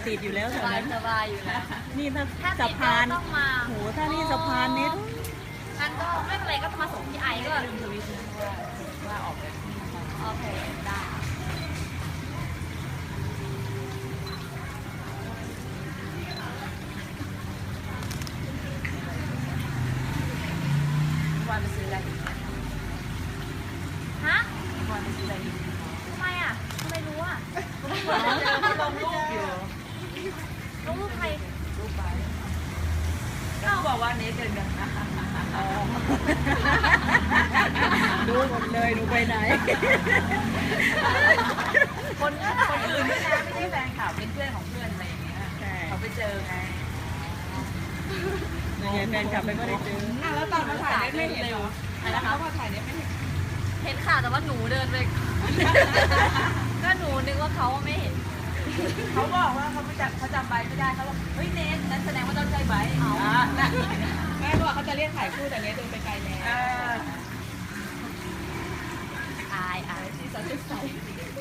ติดอยู่แล้วสแถวบายนั้นสบายอยู่แล้วนี่ถ้าถ้าสะติดพานก็ต้องมาโหถ้านี่สะพานนี้งั้นก็ไม่เป็นไรก็มาส่งที่ไอก็ลืมทวิตว่าออกแบบโอเคได้วันไปซื้ออะไรฮะวันไปซื้ออะไรทำไมอ่ะทำไมรู้อ่ะลงรูปอยู่ลงรูปใครรูปไปก็บอกว่าเนทเดินกันนะดูหมดเลยหนูไปไหนคนอื่นด้วยนะไม่ใช่แฟนคลับเป็นเพื่อนของเพื่อนอะไรอย่างเงี้ยใช่เขาไปเจอไงยังไงแฟนกลับไปก็ได้เจอแล้วตอนมาถ่ายไม่เห็นเหรออะไรนะคะแล้วมาถ่ายไม่เห็นเห็นค่ะแต่ว่าหนูเดินไปก็หนูนึกว่าเขาไม่เห็นเขาบอกว่าเขาจำใบไม่ได้เขาบอกเฮ้ยเนทนั้นแสดงว่าต้องใช่ใบแม่บอกเขาจะเรียกถ่ายคู่แต่เนทเดินไปไกลแล้วอายที่สดใส